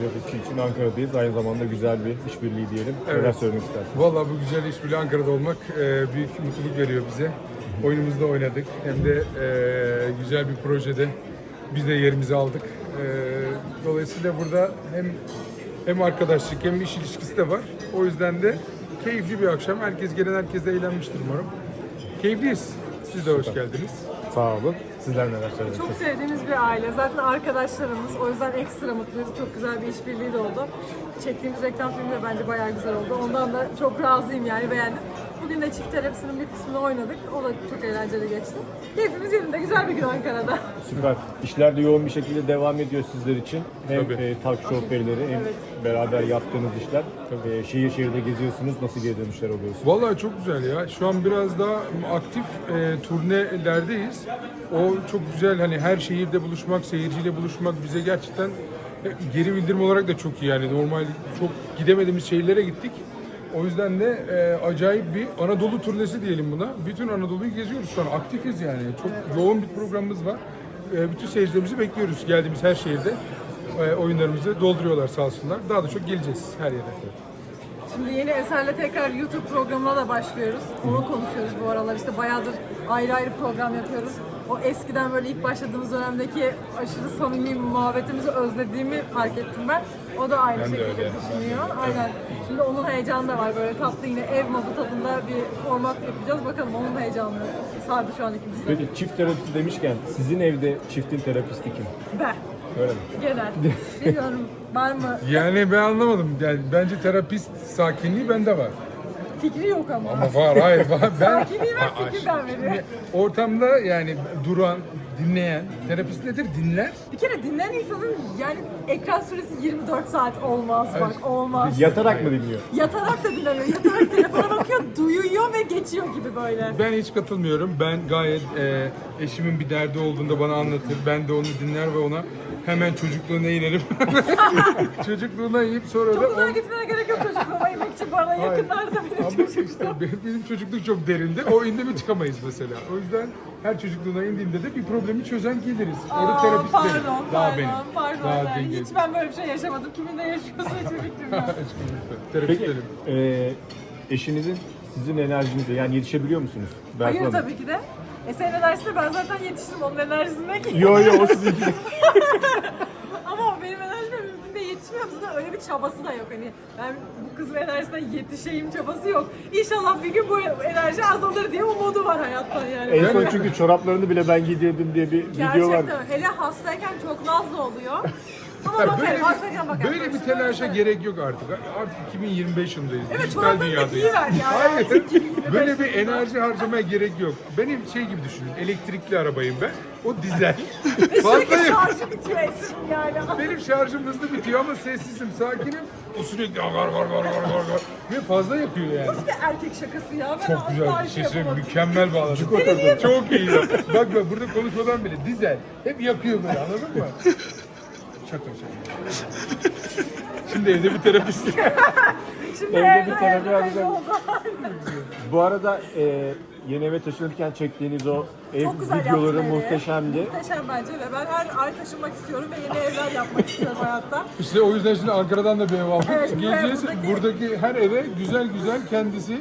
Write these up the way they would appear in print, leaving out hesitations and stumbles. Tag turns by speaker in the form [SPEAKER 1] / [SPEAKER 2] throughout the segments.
[SPEAKER 1] Ofisi için Ankara'dayız. Aynı zamanda güzel bir işbirliği diyelim.
[SPEAKER 2] Evet.
[SPEAKER 1] Neler söylemek istersiniz?
[SPEAKER 2] Vallahi bu güzel işbirliği Ankara'da olmak büyük mutluluk veriyor bize. Oyunumuzda oynadık. Hem de güzel bir projede biz de yerimizi aldık. Dolayısıyla burada hem arkadaşlık hem iş ilişkisi de var. O yüzden de keyifli bir akşam. Gelen herkes de eğlenmiştir umarım. Keyifliyiz. Siz de hoş geldiniz.
[SPEAKER 1] Sağ olun. Sizler neler söylemek
[SPEAKER 3] Çok
[SPEAKER 1] istersiniz?
[SPEAKER 3] sevdiğimiz bir aile. Zaten arkadaşlarımız. O yüzden ekstra mutluyuz. Çok güzel bir işbirliği de oldu. Çektiğimiz reklam filmi de bence bayağı güzel oldu. Ondan da çok razıyım yani beğendim. Bugün de çift terapisinin bir kısmını oynadık. O da çok eğlenceli geçti. Keyfimiz yerinde. Güzel bir gün Ankara'da.
[SPEAKER 1] Süper. İşler de yoğun bir şekilde devam ediyor sizler için. Hem
[SPEAKER 2] Tabii.
[SPEAKER 1] talk show perileri hem
[SPEAKER 3] Evet.
[SPEAKER 1] beraber yaptığınız işler. Şehir şehirde geziyorsunuz. Nasıl geri dönüşler oluyorsunuz?
[SPEAKER 2] Vallahi çok güzel ya. Şu an biraz daha aktif turnelerdeyiz. O çok güzel, hani her şehirde buluşmak, seyirciyle buluşmak bize gerçekten geri bildirim olarak da çok iyi yani. Normal çok gidemediğimiz şehirlere gittik. O yüzden de acayip bir Anadolu turnesi diyelim buna. Bütün Anadolu'yu geziyoruz şu an. Aktifiz yani. Çok yoğun bir programımız var. Bütün seyircilerimizi bekliyoruz geldiğimiz her şehirde. Oyunlarımızı dolduruyorlar sağ olsunlar. Daha da çok geleceğiz her yere.
[SPEAKER 3] Şimdi yeni eserle tekrar YouTube programına da başlıyoruz. Onu konuşuyoruz bu aralar. İşte bayağıdır ayrı ayrı program yapıyoruz. O eskiden böyle ilk başladığımız dönemdeki aşırı samimi muhabbetimizi özlediğimi fark ettim ben. O da aynı
[SPEAKER 2] Ben de
[SPEAKER 3] şekilde
[SPEAKER 2] öyle.
[SPEAKER 3] düşünüyor. Aynen. Şimdi onun heyecanı da var. Böyle tatlı yine ev modu tadında bir format yapacağız. Bakalım onun da heyecanı sardı şu an ikimizi.
[SPEAKER 1] Peki çift terapisti demişken sizin evde çiftin terapisti kim?
[SPEAKER 3] Ben.
[SPEAKER 1] Öyle mi?
[SPEAKER 3] Genel. Bilmiyorum var mı?
[SPEAKER 2] Yani ben anlamadım. Yani bence terapist sakinliği bende var.
[SPEAKER 3] Fikri yok ama.
[SPEAKER 2] Ama var, hayır var.
[SPEAKER 3] Sakinliği ben fikirden veriyorum.
[SPEAKER 2] Ortamda yani duran, dinleyen, terapist nedir? Dinler.
[SPEAKER 3] Bir kere dinleyen insanın yani ekran süresi 24 saat olmaz bak olmaz.
[SPEAKER 1] Yatarak mı dinliyor?
[SPEAKER 3] Yatarak da dinlemiyor. Yatarak telefona bakıyor, duyuyor ve geçiyor gibi böyle.
[SPEAKER 2] Ben hiç katılmıyorum. Ben gayet eşimin bir derdi olduğunda bana anlatır. Ben de onu dinler ve ona hemen çocukluğuna inerim. Çocukluğuna inip sonra da...
[SPEAKER 3] Çok uzağa gitmeye gerek yok çocukluğuma inmek için. Bu arada yakınlarda benim
[SPEAKER 2] Ama
[SPEAKER 3] çocukluğum.
[SPEAKER 2] işte benim çocukluk çok derinde. O indi mi çıkamayız mesela. O yüzden her çocukluğuna indiğinde de bir problemi çözen geliriz. Orada
[SPEAKER 3] Aa,
[SPEAKER 2] terapist
[SPEAKER 3] pardon,
[SPEAKER 2] benim.
[SPEAKER 3] pardon,
[SPEAKER 2] Daha benim.
[SPEAKER 3] pardon.
[SPEAKER 2] Daha
[SPEAKER 3] Yani
[SPEAKER 2] dengeli.
[SPEAKER 3] hiç ben böyle bir şey yaşamadım. Kiminle yaşıyorsa hiçbir fikrim yok.
[SPEAKER 2] Terapist
[SPEAKER 1] Peki
[SPEAKER 2] benim.
[SPEAKER 1] eşinizin sizin enerjinize yani yetişebiliyor musunuz? Berfu
[SPEAKER 3] Hayır
[SPEAKER 1] Hanım?
[SPEAKER 3] tabii ki de. Senin enerjisine ben zaten yetiştim onun enerjisine ki.
[SPEAKER 1] Yo yo o sizinki.
[SPEAKER 3] Ama o benim enerjime mümkün değil yetişmiyorum. Zaten öyle bir çabası da yok. Hani ben bu kızın enerjisine yetişeyim çabası yok. İnşallah bir gün bu enerji azalır diye umudu var hayattan yani.
[SPEAKER 1] En son çünkü çoraplarını bile ben giydirdim diye bir video var.
[SPEAKER 3] Gerçekten hele hastayken çok nazlı oluyor. Ama bakarım hastayken bakarım.
[SPEAKER 2] Böyle bir telaşa gerek yok artık. Artık 2025 yılındayız.
[SPEAKER 3] Evet,
[SPEAKER 2] Dijital
[SPEAKER 3] çoraplarını
[SPEAKER 2] dünyadayız.
[SPEAKER 3] giyiver ya.
[SPEAKER 2] Hayır.
[SPEAKER 3] 2025
[SPEAKER 2] Böyle bir
[SPEAKER 3] yılında.
[SPEAKER 2] enerji harcamaya gerek yok. Benim şey gibi düşünün. Elektrikli arabayım ben. O dizel.
[SPEAKER 3] Sürekli
[SPEAKER 2] Fazla
[SPEAKER 3] şarjı bitiyor Esin yani.
[SPEAKER 2] Benim şarjım hızlı bitiyor ama sessizim, sakinim. O sürekli gar. Ve fazla yapıyor yani.
[SPEAKER 3] Nasıl bir erkek şakası ya? Ben
[SPEAKER 2] Çok güzel
[SPEAKER 3] asla
[SPEAKER 2] bir şey söyleyeyim.
[SPEAKER 3] yapamadım.
[SPEAKER 2] Mükemmel bağladım. Çok iyi ya. Bak burada konuşmadan bile dizel. Hep yakıyor böyle, anladın mı? Şaka. Şimdi evde bir terapist.
[SPEAKER 3] Şimdi
[SPEAKER 1] Evde bir
[SPEAKER 3] evde
[SPEAKER 1] terapi
[SPEAKER 3] evde
[SPEAKER 1] alacağım.
[SPEAKER 3] oldu.
[SPEAKER 1] Bu arada yeni eve taşınırken çektiğiniz o ev
[SPEAKER 3] Çok güzel
[SPEAKER 1] videoları
[SPEAKER 3] yaptın evi.
[SPEAKER 1] muhteşemdi.
[SPEAKER 3] Muhteşem bence ve ben her ay taşınmak istiyorum ve yeni evler yapmak istiyorum hayatta.
[SPEAKER 2] İşte o yüzden şimdi Ankara'dan da bir ev aldık.
[SPEAKER 3] Evet,
[SPEAKER 2] Geleceğiz.
[SPEAKER 3] buradaki-
[SPEAKER 2] Buradaki her eve güzel kendisi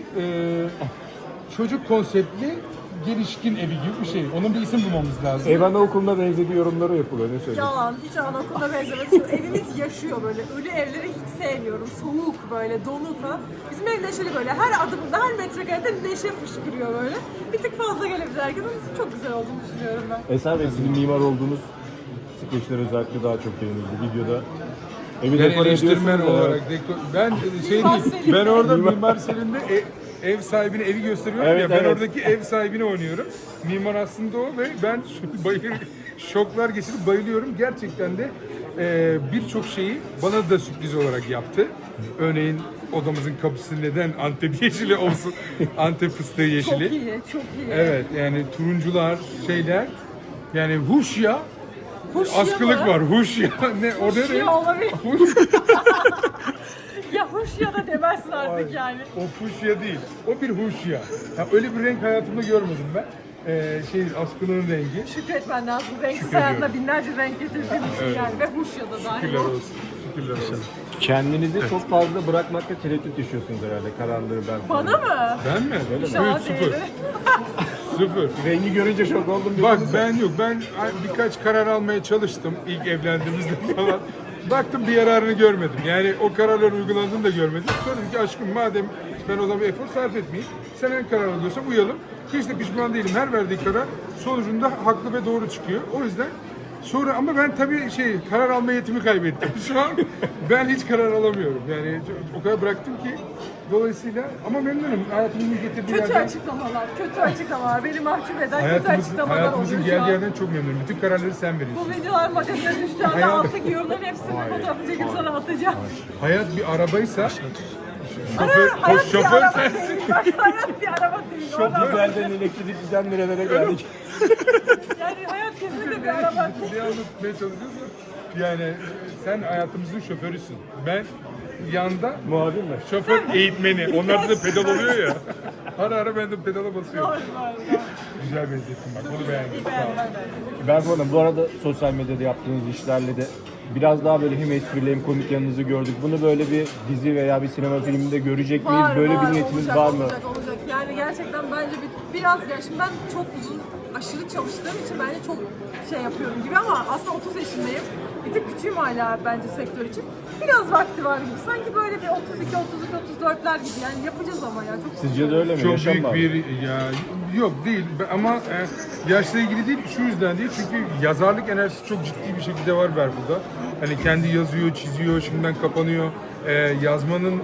[SPEAKER 2] çocuk konseptli gelişkin evi gibi bir şey. Onun bir isim bulmamız lazım.
[SPEAKER 1] Ev anaokuluna benzediği yorumları yapılıyor. Ne söyleyeyim?
[SPEAKER 3] Yalan, hiç anaokuluna benzemez. Şu evimiz yaşıyor böyle. Ölü evleri hiç sevmiyorum. Soğuk böyle, donuk falan. Bizim ev neşeli böyle. Her adımında, her metrekarede neşe fışkırıyor böyle. Bir tık fazla gelebilir herkesin. Çok güzel olduğunu düşünüyorum ben.
[SPEAKER 1] Eser Bey sizin mimar olduğunuz skeçler özellikle daha çok beğenildi videoda. Evi
[SPEAKER 2] Ben
[SPEAKER 1] dekore
[SPEAKER 2] eleştirmen
[SPEAKER 1] ediyorsunuz ya.
[SPEAKER 2] olarak ben şey
[SPEAKER 3] Mimar
[SPEAKER 2] değil.
[SPEAKER 3] Selim.
[SPEAKER 2] Ben orada Mimar Selim'de ev sahibine evi gösteriyorum
[SPEAKER 1] Evet,
[SPEAKER 2] ya. Ben
[SPEAKER 1] evet.
[SPEAKER 2] oradaki ev sahibini oynuyorum. Mimar aslında o ve ben şoklar geçirip bayılıyorum. Gerçekten de birçok şeyi bana da sürpriz olarak yaptı. Örneğin odamızın kapısı neden Antep yeşili olsun? Antep fıstığı yeşili.
[SPEAKER 3] Çok iyi, çok iyi.
[SPEAKER 2] Evet, yani turuncular, şeyler. Yani huşya,
[SPEAKER 3] Huşya
[SPEAKER 2] askılık
[SPEAKER 3] mı?
[SPEAKER 2] var. Huşya. Ne? O ne?
[SPEAKER 3] Huşya olabilir.
[SPEAKER 2] Huş-
[SPEAKER 3] Ya hoş ya da demezsin artık yani.
[SPEAKER 2] O fuşya değil. O bir huşya. Ya öyle bir renk hayatımda görmedim ben. Askının rengi.
[SPEAKER 3] Şükretmen lazım. Renksiz
[SPEAKER 2] Şükrediyorum.
[SPEAKER 3] hayatına binlerce renk getirdiğin için yani. Ve huş ya da dahil.
[SPEAKER 2] Şükürler olsun. Şükürler olsun.
[SPEAKER 1] Kendinizi çok fazla bırakmakta tereddüt yaşıyorsunuz herhalde. Kararları ben.
[SPEAKER 3] Bana mı?
[SPEAKER 2] Ben mi?
[SPEAKER 3] İnşallah
[SPEAKER 2] Evet, sıfır.
[SPEAKER 3] değilim.
[SPEAKER 2] Sıfır.
[SPEAKER 1] Rengi görünce şok oldum.
[SPEAKER 2] Bak
[SPEAKER 1] dediniz.
[SPEAKER 2] ben yok. Ben birkaç karar almaya çalıştım ilk evlendiğimizde falan. Baktım bir yararını görmedim. Yani o kararların uygulandığını da görmedim. Sonra dedim ki aşkım madem ben o zaman bir efor sarf etmeyeyim. Sen en karar alıyorsan uyalım. Hiç de pişman değilim. Her verdiği karar sonucunda haklı ve doğru çıkıyor. O yüzden sonra ama ben tabii karar alma yetimi kaybettim. Şu an ben hiç karar alamıyorum. Yani o kadar bıraktım ki dolayısıyla ama memnunum. Hayatımın getirdiği
[SPEAKER 3] Kötü
[SPEAKER 2] yerden.
[SPEAKER 3] açıklamalar. Beni mahcup eden kötü açıklamalar
[SPEAKER 2] Hayatımızın
[SPEAKER 3] oluyor şu
[SPEAKER 2] geldiği
[SPEAKER 3] an.
[SPEAKER 2] yerden çok memnunum. Bütün kararları sen veriyorsun.
[SPEAKER 3] Bu videolar magazine düştüğü anda
[SPEAKER 2] Hayal-
[SPEAKER 3] alttaki yorumların hepsini fotoğrafı çekip sana atacağım.
[SPEAKER 2] Hayat bir arabaysa
[SPEAKER 3] Hayat bir
[SPEAKER 2] şoför
[SPEAKER 3] araba
[SPEAKER 2] sensin.
[SPEAKER 3] değil. Hayat bir araba değil.
[SPEAKER 1] Çok güzelden elektrikliden nerelere geldik.
[SPEAKER 3] Yani hayat kesinlikle bir araba değil.
[SPEAKER 2] Ne anlatmaya çalışıyorsun? Yani sen hayatımızın şoförüsün. Ben yanda
[SPEAKER 1] Muhabir mi?
[SPEAKER 2] şoför eğitmeni. Onlarda da pedal oluyor ya. Ara ara ben de pedala basıyorum.
[SPEAKER 3] Doğru.
[SPEAKER 2] Güzel benzettim bak. Onu beğendim. Sağ ol.
[SPEAKER 1] Ben bu arada sosyal medyada yaptığınız işlerle de biraz daha böyle hem esprili hem komik yanınızı gördük. Bunu böyle bir dizi veya bir sinema filminde görecek miyiz? Böyle bir niyetiniz
[SPEAKER 3] olacak,
[SPEAKER 1] var mı?
[SPEAKER 3] Olacak. Yani gerçekten bence biraz ya şimdi ben çok uzun aşırı çalıştığım için bence çok şey yapıyorum gibi ama aslında 30 yaşındayım. Bir tık küçüğüm hala bence sektör için. Biraz vakti var gibi. Sanki böyle bir 32, 33, 34'ler gibi yani yapacağız ama ya. Çok
[SPEAKER 1] Sizce de öyle mi?
[SPEAKER 2] Çok
[SPEAKER 1] Yaşam
[SPEAKER 2] büyük
[SPEAKER 1] var.
[SPEAKER 2] bir yok değil ama yaşla ilgili değil şu yüzden değil çünkü yazarlık enerjisi çok ciddi bir şekilde var Berfu'da. Hani kendi yazıyor, çiziyor, şimdiden kapanıyor. Yazmanın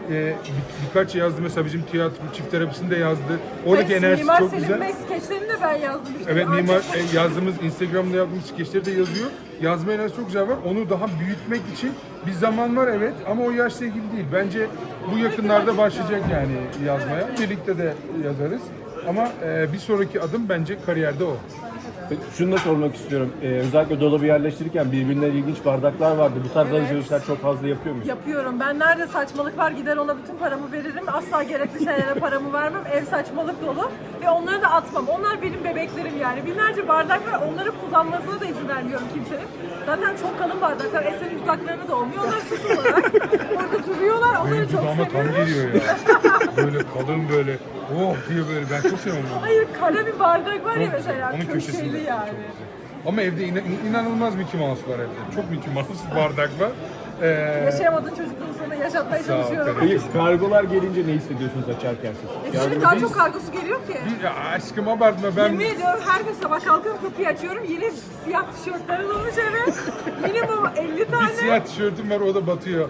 [SPEAKER 2] birkaç yazdı mesela bizim tiyatro çift terapisinde yazdı. Oradaki enerjisi
[SPEAKER 3] Mimar
[SPEAKER 2] çok
[SPEAKER 3] Selim
[SPEAKER 2] güzel.
[SPEAKER 3] Bey skeçlerini de ben yazdım. İşte
[SPEAKER 2] Evet
[SPEAKER 3] daha
[SPEAKER 2] mimar
[SPEAKER 3] çok-
[SPEAKER 2] yazdığımız Instagram'da yaptığımız skeçleri de yazıyor. Yazma enerjisi çok güzel var. Onu daha büyütmek için bir zaman var evet ama o yaşla ilgili değil. Bence bu yakınlarda başlayacak yani yazmaya. Birlikte de yazarız. Ama bir sonraki adım bence kariyerde o.
[SPEAKER 1] Şunu da sormak istiyorum. Özellikle dolabı yerleştirirken birbirinden ilginç bardaklar vardı. Bu tarz
[SPEAKER 3] Evet.
[SPEAKER 1] alışverişler çok fazla yapıyor muyuz?
[SPEAKER 3] Yapıyorum. Ben nerede saçmalık var gider ona bütün paramı veririm. Asla gerekli şeylere paramı vermem. Ev saçmalık dolu. Ve onları da atmam. Onlar benim bebeklerim yani. Binlerce bardak var. Onları kullanmasına da izin vermiyorum kimsenin. Zaten çok kalın bardaklar. Eser'in dudaklarını da olmuyor. Onlar süs olarak orada duruyorlar. Onları
[SPEAKER 2] Benim
[SPEAKER 3] çok
[SPEAKER 2] dudağıma tam
[SPEAKER 3] seviyorum.
[SPEAKER 2] geliyor ya. Böyle kalın böyle oh diye böyle ben çok seviyorum onu.
[SPEAKER 3] Hayır kara bir bardak var ya
[SPEAKER 2] Çok güzel.
[SPEAKER 3] mesela.
[SPEAKER 2] Onun köşesinde.
[SPEAKER 3] Köşeli yani.
[SPEAKER 2] Çok güzel. Ama evde inanılmaz Mickey Mouse var evde. Çok Mickey Mouse bardak var.
[SPEAKER 3] Yaşayamadığın çocukluğunu sana yaşatmaya
[SPEAKER 2] Sağ ol
[SPEAKER 3] çalışıyorum.
[SPEAKER 2] kardeşim.
[SPEAKER 1] Peki kargolar gelince ne hissediyorsunuz açarken siz?
[SPEAKER 3] Şimdi daha çok kargosu geliyor ki.
[SPEAKER 2] Ya aşkım abartma ben
[SPEAKER 3] Yemin ediyorum her gün sabah kalkıyorum kapıyı açıyorum. Yeni siyah tişörtler alınmış eve. Minimum 50 tane.
[SPEAKER 2] bir siyah tişörtüm var o da batıyor.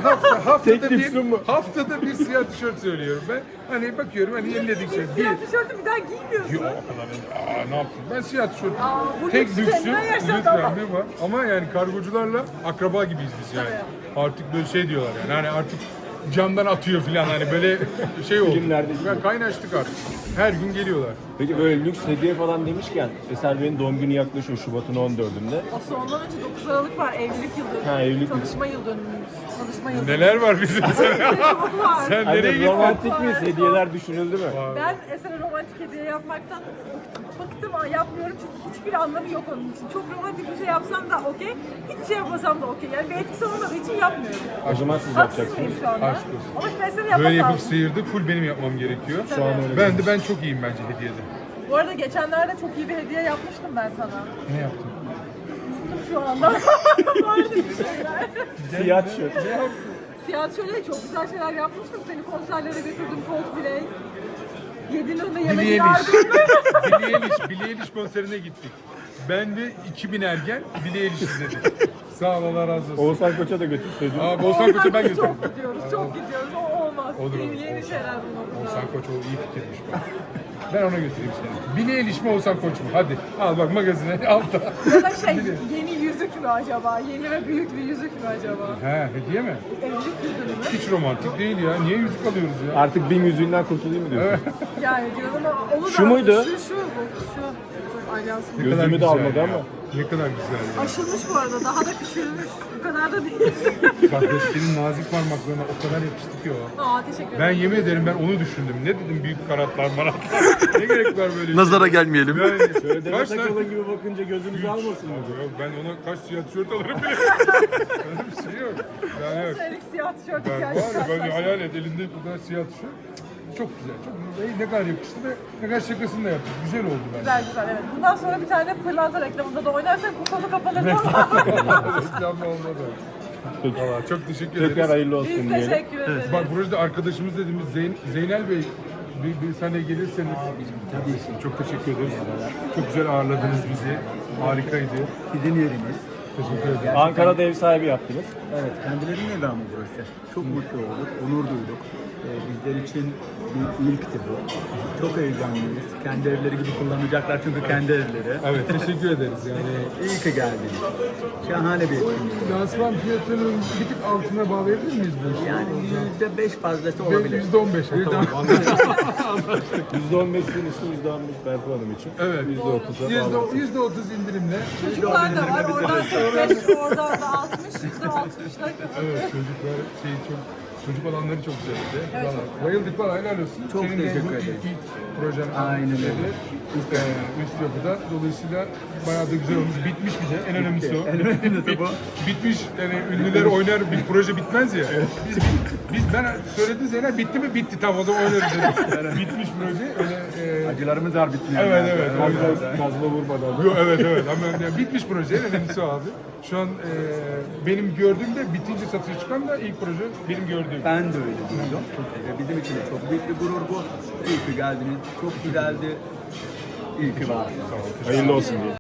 [SPEAKER 1] Teklif sunma.
[SPEAKER 2] Haftada bir siyah tişört söylüyorum ben. Hani bakıyorum hani yeniledik şey.
[SPEAKER 3] Siyah tişörtü bir daha giymiyorsun.
[SPEAKER 2] Yok o kadar ne yaptım? Ben siyah tişört.
[SPEAKER 3] Bu
[SPEAKER 2] Tek
[SPEAKER 3] lüks
[SPEAKER 2] lüksüm,
[SPEAKER 3] kendine yaşat
[SPEAKER 2] lütfen
[SPEAKER 3] ama.
[SPEAKER 2] bir var. Ama yani kargocularla akraba gibiyiz biz yani. Artık böyle şey diyorlar yani hani artık camdan atıyor falan hani böyle şey oldu.
[SPEAKER 1] Filmlerde gibi.
[SPEAKER 2] Ya kaynaştık artık. Her gün geliyorlar.
[SPEAKER 1] Peki böyle lüks hediye falan demişken Eser Bey'in doğum günü yaklaşıyor Şubat'ın 14'ünde.
[SPEAKER 3] Aslında ondan önce 9 Aralık var evlilik yıl dönümü.
[SPEAKER 1] Ha, evlilik yıl-
[SPEAKER 3] Tanışma yıl dönümümüz. Tanışma yıl dönümü.
[SPEAKER 2] Neler var bizim
[SPEAKER 3] Çok var.
[SPEAKER 2] Sen nereye
[SPEAKER 1] Hani
[SPEAKER 2] gittin?
[SPEAKER 1] romantik miyiz? Hediyeler düşünüldü mü?
[SPEAKER 3] Ben Eser'e romantik hediye yapmaktan bıktım ama yapmıyorum çünkü hiçbir anlamı yok onun için. Çok romantik bir şey yapsam da okey, hiçbir şey yapmasam da okey. Yani bir etkisi olmadığı için yapmıyorum.
[SPEAKER 1] O zaman siz
[SPEAKER 3] Haksız
[SPEAKER 1] yapacaksınız.
[SPEAKER 3] mıyım şu anda?
[SPEAKER 2] Aşk olsun.
[SPEAKER 3] Ama şimdi Eser'in
[SPEAKER 2] Böyle
[SPEAKER 3] yapması
[SPEAKER 2] yapıp
[SPEAKER 3] lazım.
[SPEAKER 2] sıyırdı. Full benim yapmam gerekiyor.
[SPEAKER 1] Şu an öyle.
[SPEAKER 2] Ben çok iyiyim bence hediyede.
[SPEAKER 3] Bu arada geçenlerde çok iyi bir hediye yapmıştım ben sana.
[SPEAKER 2] Ne yaptın?
[SPEAKER 3] Unuttum şu anda. Vardı bir şeyler.
[SPEAKER 1] Siyah tişört.
[SPEAKER 3] Siyah şöyle çok güzel şeyler yapmıştım. Seni konserlere götürdüm Coldplay. Yedin önüne yemek
[SPEAKER 2] Billie
[SPEAKER 3] yardım.
[SPEAKER 2] Eilish. Billie Eilish konserine gittik. Ben ve 2000 ergen Billie Eilish izledik. Sağ ol Allah razı olsun.
[SPEAKER 1] Oğuzhan Koç'a da götürseydin.
[SPEAKER 2] Oğuzhan Koç'a ben götürdüm.
[SPEAKER 3] Çok gidiyoruz, çok gidiyoruz. O olmaz.
[SPEAKER 2] Olur,
[SPEAKER 3] Yeni,
[SPEAKER 2] olur.
[SPEAKER 3] yeni şeyler bulmamız
[SPEAKER 2] Oğuzhan
[SPEAKER 3] lazım.
[SPEAKER 2] Koç o iyi fikirmiş bak. Ben ona götüreyim seni. Billie Eilish mi Oğuzhan Koç mu? Hadi al bak magazine altta.
[SPEAKER 3] Ya da şey, yeni yüzük mü acaba? Yeni ve büyük bir yüzük mü acaba?
[SPEAKER 2] He hediye mi?
[SPEAKER 3] Evlilik yıl dönümü.
[SPEAKER 2] Hiç romantik değil ya. Niye yüzük alıyoruz ya?
[SPEAKER 1] Artık bin yüzüğünden kurtulayım mı diyorsun?
[SPEAKER 3] Yani diyorum ama onu da...
[SPEAKER 1] Şu muydu?
[SPEAKER 3] Şu bu. Şu. alyansın.
[SPEAKER 2] Ne kadar
[SPEAKER 1] Gözümü de
[SPEAKER 2] güzel
[SPEAKER 1] almadı
[SPEAKER 2] ya.
[SPEAKER 1] ama.
[SPEAKER 2] Ne kadar güzel ya.
[SPEAKER 3] Aşılmış bu arada, daha da küçülmüş. Bu kadar da değil.
[SPEAKER 2] Kardeş senin nazik parmaklarına o kadar yapıştı ki o.
[SPEAKER 3] Aa, teşekkür
[SPEAKER 2] Ben
[SPEAKER 3] ederim.
[SPEAKER 2] yemin ederim ben onu düşündüm. Ne dedim büyük karatlar maratlar. Ne gerek var böyle
[SPEAKER 4] Nazara gelmeyelim.
[SPEAKER 2] Yani,
[SPEAKER 1] Şöyle Demet
[SPEAKER 2] kaç tane...
[SPEAKER 1] Akalın gibi bakınca gözünüzü almasın mı?
[SPEAKER 2] Yok, ben ona kaç siyah tişört alırım bile. Öyle bir şey yok. Yani yok.
[SPEAKER 3] Senelik siyah tişört
[SPEAKER 2] Ben
[SPEAKER 3] hikayesi
[SPEAKER 2] var ya böyle
[SPEAKER 3] karşılaştık.
[SPEAKER 2] hayal et elinde bu kadar siyah tişört. Çok güzel. Çok güzel. Ne kadar yakıştı ve ne kadar şakasını da yaptık. Güzel oldu bence.
[SPEAKER 3] Güzel güzel, evet. Bundan sonra bir tane pırlanta reklamında da oynarsak bu konu kapanır ama.
[SPEAKER 2] Reklamlı olmadı. Valla çok teşekkür
[SPEAKER 1] Tekrar
[SPEAKER 2] ederiz.
[SPEAKER 1] hayırlı olsun
[SPEAKER 3] Biz
[SPEAKER 1] diyelim.
[SPEAKER 3] teşekkür ederiz.
[SPEAKER 2] Bak burada arkadaşımız dediğimiz Zeynel Bey bir sahneye gelirseniz. Tabii ki. Çok teşekkür ederiz. Çok güzel ağırladınız bizi. Harikaydı.
[SPEAKER 5] Sizin yeriniz.
[SPEAKER 2] Teşekkür ederim.
[SPEAKER 1] Ankara'da ev sahibi yaptınız.
[SPEAKER 5] Evet, kendilerinin evi ama burası. Çok mutlu olduk, onur duyduk. Bizler için bir ilkti bu. Çok heyecanlıyız. Kendi evleri gibi kullanacaklar çünkü kendi evleri.
[SPEAKER 2] Evet teşekkür ederiz yani.
[SPEAKER 5] İyi ki geldiniz. Şahane bir etkinlik.
[SPEAKER 2] Lansman fiyatının bir tık altına bağlayabilir miyiz bu işi?
[SPEAKER 5] Yani %5 fazlası olabilir.
[SPEAKER 2] %15. Tamam.
[SPEAKER 1] %15 sizin için, %15 Berfu Hanım için.
[SPEAKER 2] Evet.
[SPEAKER 1] %30'a bağlı.
[SPEAKER 2] %30 indirimle.
[SPEAKER 3] Çocuklar da var. Oradan 45, oradan da 60, %60'lar.
[SPEAKER 2] Evet çocuklar çocuk alanları çok güzeldi. Vallahi bayıldık valla helal olsun.
[SPEAKER 5] Çok
[SPEAKER 2] Senin de
[SPEAKER 5] teşekkür
[SPEAKER 2] bu
[SPEAKER 5] ederim.
[SPEAKER 2] ilk projen
[SPEAKER 5] Aynen öyle.
[SPEAKER 2] üst yapıda. Dolayısıyla bayağı da güzel olmuş. Bitmiş bir de. En önemlisi o.
[SPEAKER 5] En önemlisi bu.
[SPEAKER 2] Bitmiş. Yani ünlüler oynar bir proje bitmez ya. Biz ben söyledi Zeynep bitti mi? Bitti tamam o zaman oynarız dedim. Bitmiş proje. Öyle
[SPEAKER 5] Acılarımız var bitmiyor.
[SPEAKER 2] evet evet. O yüzden
[SPEAKER 1] Kazma vurmadan.
[SPEAKER 2] Yok, evet ama yani bitmiş proje en önemlisi o abi. Şu an benim gördüğümde bitince satışa çıkan da ilk proje benim gördüğüm.
[SPEAKER 5] Ben de öyle duydum. Bizim için de çok büyük bir gurur bu. İyi ki geldiniz. Çok güzeldi. İyi ki varsınız.
[SPEAKER 1] Hayırlı olsun diye.